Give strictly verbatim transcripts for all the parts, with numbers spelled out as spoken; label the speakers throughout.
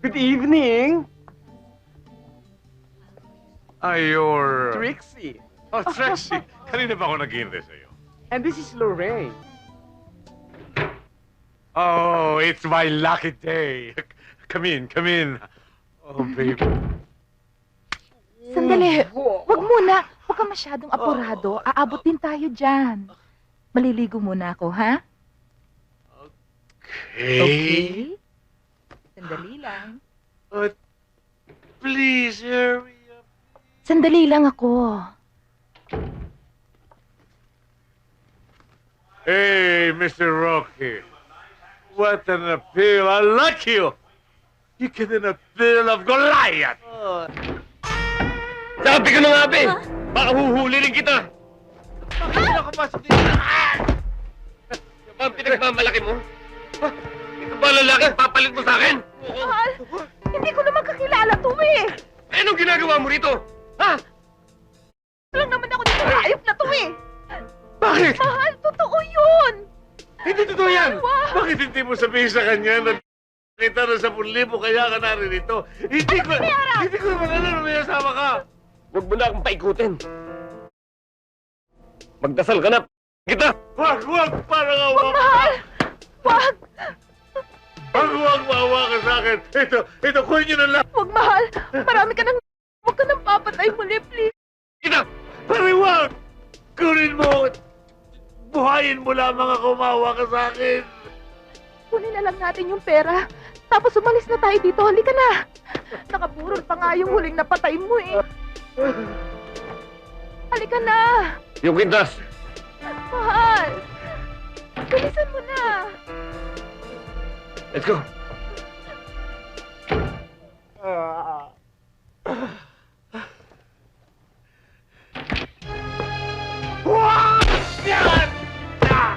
Speaker 1: Good evening,
Speaker 2: Ay, you're...
Speaker 1: Trixie.
Speaker 2: Oh, Trixie. Kanina ba ako nag-iintay sa'yo?
Speaker 1: And this is Lorraine.
Speaker 2: Oh, it's my lucky day. Come in, come in. Oh, baby.
Speaker 3: Sandali. Huwag muna. Huwag ka masyadong apurado. Aabot din tayo dyan. Maliligo muna ako, ha?
Speaker 2: Okay.
Speaker 3: Sandali lang.
Speaker 2: But please hurry up.
Speaker 3: Sandali lang ako.
Speaker 2: Hey, Mister Rocky. What an appeal. I like you. You get an appeal of Goliath.
Speaker 1: Sabi ko na nga, be! Baka huhuli rin kita!
Speaker 2: Bakit sila kapasok dito?
Speaker 1: Yan ba ang pinagmamalaki mo? Ha? Ito ba lalaki ang papalit mo sa akin?
Speaker 3: Mahal, hindi ko naman kakilala to eh.
Speaker 1: Eh, anong ginagawa mo rito? Ha?
Speaker 3: Lang naman ako dito. Ayop na to eh.
Speaker 2: Bakit?
Speaker 3: Mahal, totoo yun.
Speaker 2: Hindi totoo yan!
Speaker 3: Wow.
Speaker 2: Bakit hindi mo sabihin sa kanya na kita na sa libo kaya ka naririto? Hindi ko, hindi ko naman alam na may asawa ka!
Speaker 1: Huwag mo na akong paikutin. Magdasal ka na, kita!
Speaker 2: Wag, wag! Parang awa ka!
Speaker 3: Mahal, wag.
Speaker 2: Wag, wag, maawa ka sa akin! Ito, ito, kunin niyo na lang!
Speaker 3: Wag, mahal. Marami ka nang... Huwag ka nang papatay muli, please.
Speaker 1: Kita!
Speaker 2: Pare, wag! Kunin mo! Buhayin mo lamang ako, maawa ka sa akin!
Speaker 3: Kunin na lang natin yung pera. Tapos umalis na tayo dito. Halika na. Nakaburol pa nga yung huling napatay mo eh. Halika na.
Speaker 1: Yung kintas!
Speaker 3: Mahal. Bilisan mo na.
Speaker 1: Let's go!
Speaker 2: Wag! Yan! Ah!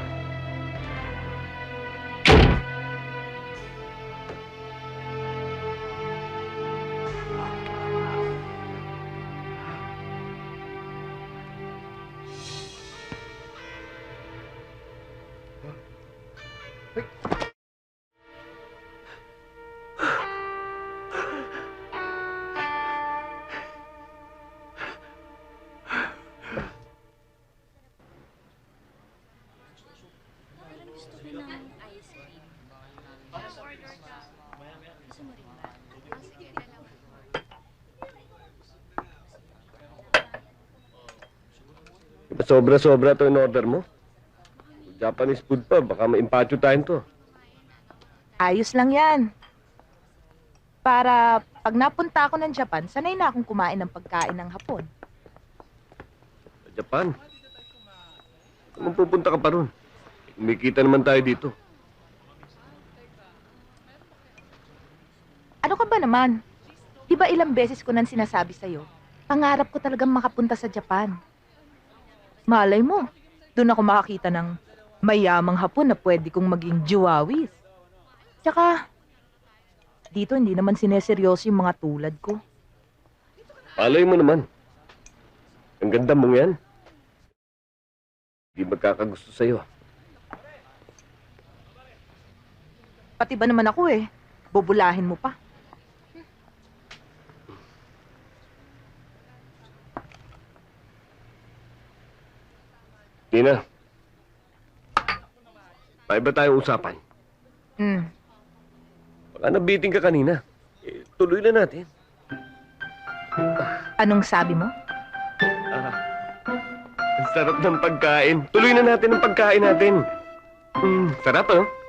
Speaker 1: Sobra-sobra to in order mo. Japanese food pa, baka maimpacho tayo to.
Speaker 3: Ayos lang yan. Para pag napunta ako ng Japan, sanay na akong kumain ng pagkain ng Hapon.
Speaker 1: Sa Japan. Kung pupunta ka pa ron, kumikita naman tayo dito.
Speaker 3: Ano ka ba naman? Di ba ilang beses ko nang sinasabi sa'yo, pangarap ko talagang makapunta sa Japan. Malay mo, doon ako makakita ng mayamang Hapon na pwede kong maging juwawis. Tsaka, dito hindi naman sineseryoso yung mga tulad ko.
Speaker 1: Palay mo naman. Ang ganda mong yan. Hindi magkakagusto sa'yo.
Speaker 3: Pati ba naman ako eh, bubulahin mo pa.
Speaker 1: Nina, paiba tayo usapan.
Speaker 3: Hmm.
Speaker 1: Baka nabiting ka kanina. Eh, tuloy na natin.
Speaker 3: Anong sabi mo?
Speaker 1: Ah, ang sarap ng pagkain. Tuloy na natin ang pagkain natin. Mm, sarap, oh.